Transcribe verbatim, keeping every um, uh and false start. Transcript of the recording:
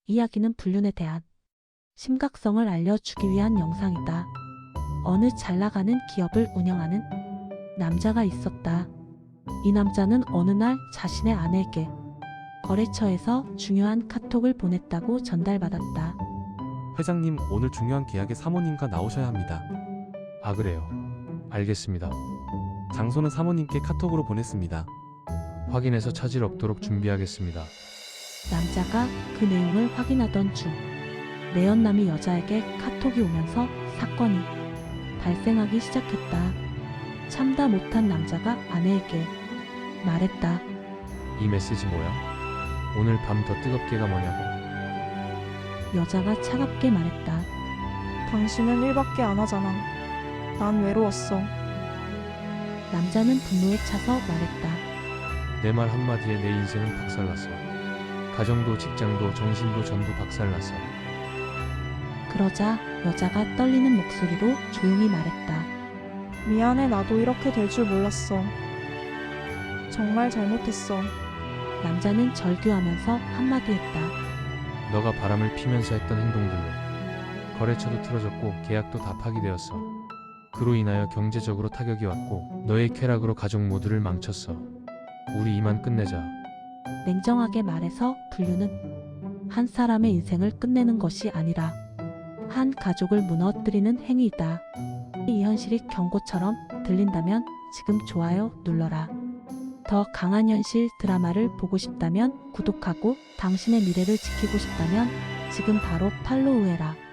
이야기는 불륜에 대한 심각성을 알려주기 위한 영상이다. 어느 잘나가는 기업을 운영하는 남자가 있었다. 이 남자는 어느 날 자신의 아내에게 거래처에서 중요한 카톡을 보냈다고 전달받았다. 회장님, 오늘 중요한 계약에 사모님과 나오셔야 합니다. 아, 그래요. 알겠습니다. 장소는 사모님께 카톡으로 보냈습니다. 확인해서 차질 없도록 준비하겠습니다. 남자가 그 내용을 확인하던 중 내연남이 여자에게 카톡이 오면서 사건이 발생하기 시작했다. 참다 못한 남자가 아내에게 말했다. 이 메시지 뭐야? 오늘 밤 더 뜨겁게가 뭐냐고. 여자가 차갑게 말했다. 당신은 일밖에 안 하잖아. 난 외로웠어. 남자는 분노에 차서 말했다. 내 말 한마디에 내 인생은 박살났어. 가정도 직장도 정신도 전부 박살났어. 그러자 여자가 떨리는 목소리로 조용히 말했다. 미안해, 나도 이렇게 될 줄 몰랐어. 정말 잘못했어. 남자는 절규하면서 한마디 했다. 너가 바람을 피면서 했던 행동들로 거래처도 틀어졌고 계약도 다 파기되었어. 그로 인하여 경제적으로 타격이 왔고 너의 쾌락으로 가족 모두를 망쳤어. 우리 이만 끝내자. 냉정하게 말해서 불륜은 한 사람의 인생을 끝내는 것이 아니라 한 가족을 무너뜨리는 행위이다. 이 현실이 경고처럼 들린다면 지금 좋아요 눌러라. 더 강한 현실 드라마를 보고 싶다면 구독하고 당신의 미래를 지키고 싶다면 지금 바로 팔로우해라.